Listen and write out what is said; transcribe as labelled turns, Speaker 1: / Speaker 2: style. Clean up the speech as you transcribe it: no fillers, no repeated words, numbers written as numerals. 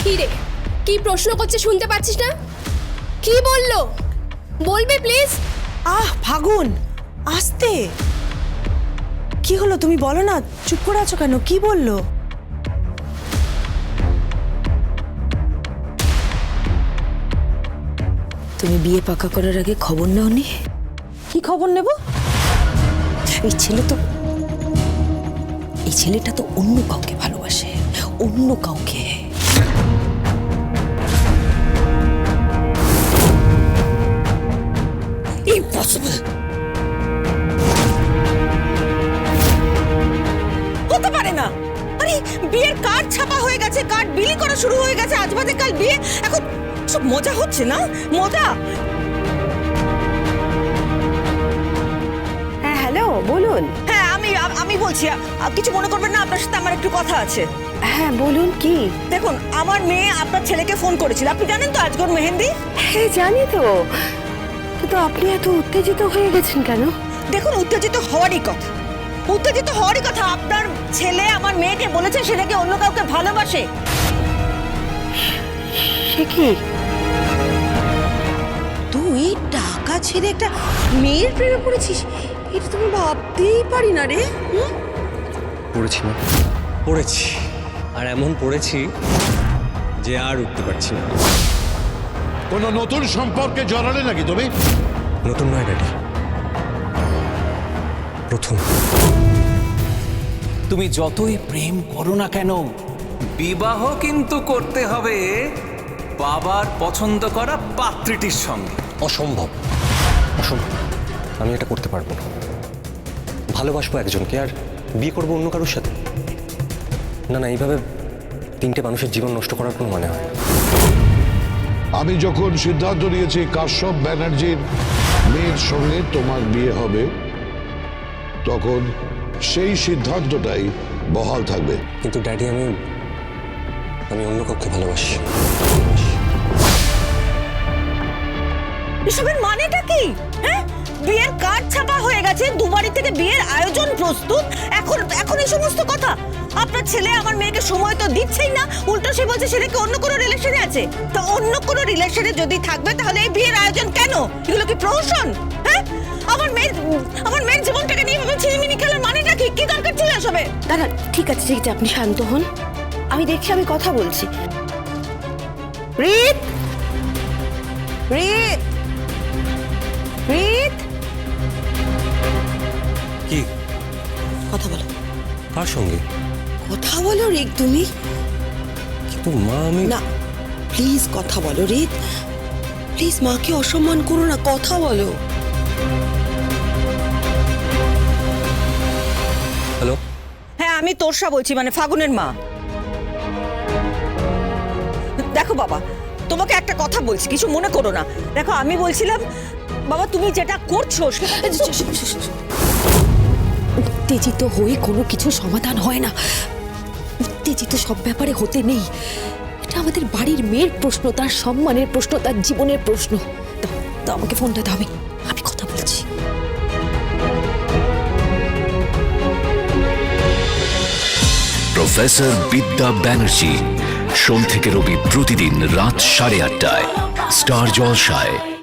Speaker 1: কি রে, কি প্রশ্ন করছে শুনতে পাচ্ছিস না? কি বললো বলবি প্লিজ?
Speaker 2: ফাগুন, আস্তে। কি হলো তুমি বলো না, চুপ করে আছো কেন? কি বললো?
Speaker 3: তুমি বিয়ে পাকা করার আগে খবর নাওনি?
Speaker 2: কি খবর নেব?
Speaker 3: এই ছেলেটা তো অন্য কাউকে ভালোবাসে, অন্য কাউকে।
Speaker 2: ইম্পসিবল। হতে পারে না। আরে বিয়ের কার্ড ছাপা হয়ে গেছে, কার্ড বিলি করা শুরু হয়ে গেছে, আজ বাদে কাল বিয়ে। এখন সব মজা হচ্ছে না? মজা।
Speaker 4: হ্যাঁ হ্যালো, বলুন।
Speaker 2: হ্যাঁ আমি বলছি, কিছু মনে করবেন না, আপনার সাথে আমার একটু কথা আছে।
Speaker 4: হ্যাঁ বলুন, কি?
Speaker 2: দেখুন, আমার মেয়ে আপনার ছেলেকে ফোন করেছিল। আপনি জানেন তো আজকের মেহেন্দি?
Speaker 4: হ্যাঁ জানি তো, কিন্তু আপনি এত উত্তেজিত হয়ে গেছেন কেন?
Speaker 2: দেখুন, উত্তেজিত হওয়ারই কথা। আপনার ছেলে আমার মেয়েকে বলেছে সে নাকি অন্য কাউকে ভালোবাসে।
Speaker 4: সে কি?
Speaker 2: তুই টাকা ছেড়ে একটা মেয়ের প্রেমে পড়েছিস? এটা তুমি ভাবতেই পারি না রে।
Speaker 5: পড়েছি না, পড়েছি, আর এমন পড়েছি যে আর উঠতে পারছি না।
Speaker 6: কোনো নতুন সম্পর্কে জড়ালে নাকি তুমি?
Speaker 5: নতুন নয় ড্যাডি, প্রথম।
Speaker 7: তুমি যতই প্রেম করো না কেন, বিবাহ কিন্তু করতে হবে বাবার পছন্দ করা পাত্রীটির সঙ্গে।
Speaker 5: অসম্ভব, অসম্ভব। আমি এটা করতে পারবো না। ভালোবাসবো একজনকে আর বিয়ে করবো অন্য কারোর সাথে? না না, এইভাবে তিনটে মানুষের জীবন নষ্ট করার কোনো মানে হয় না।
Speaker 6: আমি যখন সিদ্ধান্ত নিয়েছি কাশ্যপ ব্যানার্জির মেয়ের সঙ্গে তোমার বিয়ে হবে, তখন সেই সিদ্ধান্তটাই বহাল থাকবে।
Speaker 5: কিন্তু ড্যাডি, আমি অন্য কাউকে ভালোবাসি।
Speaker 2: এসবের মানেটা কি? হ্যাঁ, বিয়ের কার্ড ছাপা হয়ে গেছে, দুবারই থেকে বিয়ের আয়োজন প্রস্তুত, এখন এই সমস্ত কথা? আপনার ছেলে আমার মেয়েকে সময় তো দিচ্ছেই না, উল্টো সে বলছে সে নাকি অন্য কোনো রিলেশনে আছে। তো অন্য কোনো রিলেশনে যদি থাকবে তাহলে এই বিয়ের আয়োজন কেন? এগুলো কি প্রহসন? হ্যাঁ, আমার মেয়ের জীবনটাকে নিয়ে ভাবে ছিনিমিনি খেলার মানেটা কি? কি দরকার ছিল এসবে?
Speaker 4: দাদা ঠিক আছে, আপনি শান্ত হন, আমি দেখছি, আমি কথা বলছি। রিত, রিত, রিত,
Speaker 5: কি
Speaker 2: কথা বলো।
Speaker 5: কার সঙ্গে?
Speaker 2: কথা বলো রিক, তুমি।
Speaker 5: কিন্তু মা, আমি
Speaker 2: না, প্লিজ কথা বলো রিত, প্লিজ মাকে অসম্মান করো না, কথা বলো।
Speaker 5: হ্যালো।
Speaker 2: হ্যাঁ, আমি তোরসা বলছি, মানে ফাগুনের মা। দেখো বাবা, তোমাকে একটা কথা বলছি, কিছু মনে করো না। দেখো, আমি বলছিলাম বাবা, তুমি যেটা করছো
Speaker 3: উত্তেজিত হয়ে কোনো কিছু সমাধান হয় না। উত্তেজিত সব ব্যাপারে হতে নেই। এটা আমাদের বাড়ির মেয়ের প্রশ্ন, তার সম্মানের প্রশ্ন, তার জীবনের প্রশ্ন। তো আমাকে ফোনটা দাও, আমি কথা বলছি।
Speaker 8: প্রফেসর বিদ্যা ব্যানার্জি, সোম থেকে রবি প্রতিদিন রাত 8:30টায় স্টার জলসায়।